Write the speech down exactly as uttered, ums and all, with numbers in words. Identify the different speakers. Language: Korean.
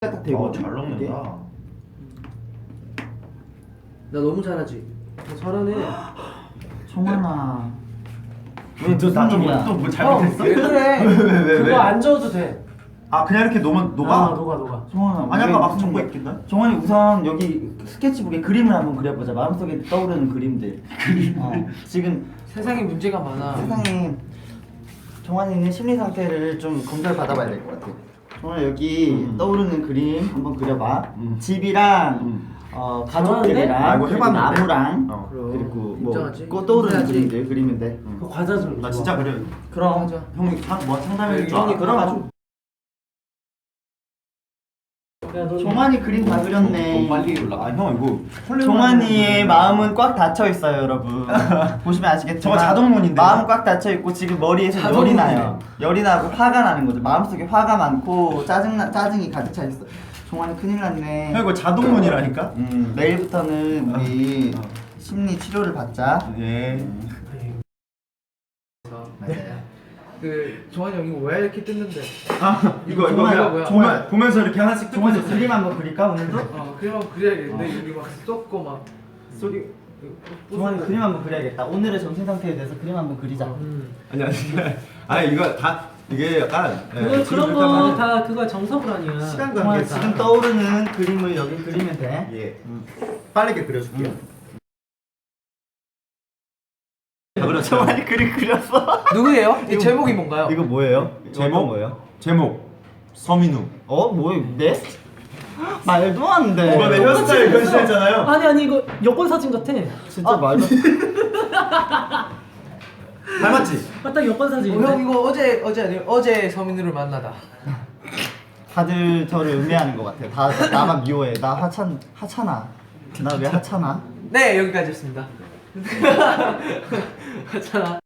Speaker 1: 딱 되고.
Speaker 2: 어, 잘 먹는다.
Speaker 3: 나 너무 잘하지. 나 잘하네.
Speaker 1: 정환아.
Speaker 2: 왜 너나좀또뭐 잘못했어?
Speaker 3: 왜 그래?
Speaker 2: 왜, 왜, 왜,
Speaker 3: 그거
Speaker 2: 왜?
Speaker 3: 안 저어도 돼.
Speaker 2: 아 그냥 이렇게 놓으면 녹아?
Speaker 3: 아, 녹아 녹아.
Speaker 1: 정환아.
Speaker 2: 아니 아까 막
Speaker 1: 우리
Speaker 2: 적고
Speaker 1: 정-
Speaker 2: 있긴데?
Speaker 1: 정환이 우선 여기 스케치북에 그림을 한번 그려보자. 마음속에 떠오르는 그림들. 그림. 어. 지금
Speaker 3: 세상에 문제가 많아.
Speaker 1: 세상에 정환이는 심리 상태를 좀 검사를 받아봐야 될 것 같아. 정환아 여기
Speaker 2: 음.
Speaker 1: 떠오르는 그림 한번 그려봐.
Speaker 2: 음.
Speaker 1: 집이랑
Speaker 2: 음.
Speaker 1: 어,
Speaker 3: 잘하는데?
Speaker 1: 가족들이랑
Speaker 2: 아, 이거
Speaker 1: 그리고
Speaker 2: 해봤는데?
Speaker 1: 나무랑
Speaker 2: 어.
Speaker 3: 그럼.
Speaker 1: 그리고 뭐
Speaker 3: 인정하지.
Speaker 1: 꼭 떠오르는
Speaker 3: 인정하지.
Speaker 1: 그림들 그리면 돼.
Speaker 3: 그 과자 좀.
Speaker 2: 나
Speaker 3: 줘.
Speaker 2: 진짜 그래.
Speaker 1: 그럼
Speaker 3: 맞아.
Speaker 2: 형이 상, 뭐 상담해 줄
Speaker 1: 형이
Speaker 2: 알아?
Speaker 1: 그려가지고.
Speaker 3: 야, 너
Speaker 1: 정환이 그림 다 그렸네.
Speaker 2: 너무 빨리 올라가. 아, 형 이거 설레는
Speaker 1: 정환이의 마음은 꽉 닫혀 있어요, 여러분. 보시면 아시겠지만
Speaker 2: 저거 자동문인데요?
Speaker 1: 마음 꽉 닫혀 있고 지금 머리에서 열이
Speaker 3: 자동문이네.
Speaker 1: 나요. 열이 나고 화가 나는 거죠. 마음속에 화가 많고 짜증 나 짜증이 가득 차 있어. 정환이 큰일 났네.
Speaker 2: 형 이거 자동문이라니까?
Speaker 1: 음, 내일부터는 우리
Speaker 2: 어.
Speaker 1: 심리 치료를 받자.
Speaker 2: 예.
Speaker 1: 맞아요.
Speaker 3: 그 정환이 형이 왜 이렇게 뜯는데?
Speaker 2: 아 이거 이거
Speaker 1: 정말,
Speaker 2: 그냥
Speaker 3: 뭐야?
Speaker 2: 보면, 보면서 이렇게 하나씩 뜯고
Speaker 1: 정환이
Speaker 2: 있었어.
Speaker 1: 그림 한번 그릴까 오늘도?
Speaker 3: 어 그냥 그래야겠는데 여기 막 쏟고 막 소리.
Speaker 1: 정환이 그림 한번 그려야겠다. 오늘의 정신 상태에 대해서 그림 한번 그리자.
Speaker 3: 음.
Speaker 2: 아니 아니 아니 이거 다 이게 약간 예,
Speaker 4: 그거
Speaker 2: 지금
Speaker 4: 그런
Speaker 2: 그렇게 하면
Speaker 4: 거 다 그거 정석을 아니야.
Speaker 2: 시간
Speaker 1: 정환이
Speaker 2: 관계상
Speaker 1: 지금 떠오르는 그림을 여기 그리면 돼.
Speaker 2: 예 음. 빠르게 그려줄게요.
Speaker 1: 음.
Speaker 2: 다 그렸죠?
Speaker 1: 정환이 그림 그렸어.
Speaker 3: 누구예요? 이 제목이 뭔가요?
Speaker 1: 이거 뭐예요?
Speaker 2: 제목
Speaker 1: 뭐예요?
Speaker 2: 제목 서민우.
Speaker 1: 어? 뭐예요? 네? 말도 안 돼.
Speaker 2: 이번에 헤어스타일 변신했잖아요.
Speaker 4: 아니 아니 이거 여권 사진 같아.
Speaker 1: 진짜 말도
Speaker 2: 닮았지?
Speaker 4: 아, 딱 여권
Speaker 3: 어,
Speaker 4: 사진인데.
Speaker 3: 형 이거 어제 어제 아니에요? 어제 서민우를 만나다.
Speaker 1: 다들 저를 음해하는 것 같아요. 다 나만 미워해. 나 하찮 하찮아. 나 왜 하찮아?
Speaker 3: 네 여기까지였습니다. 하잖아.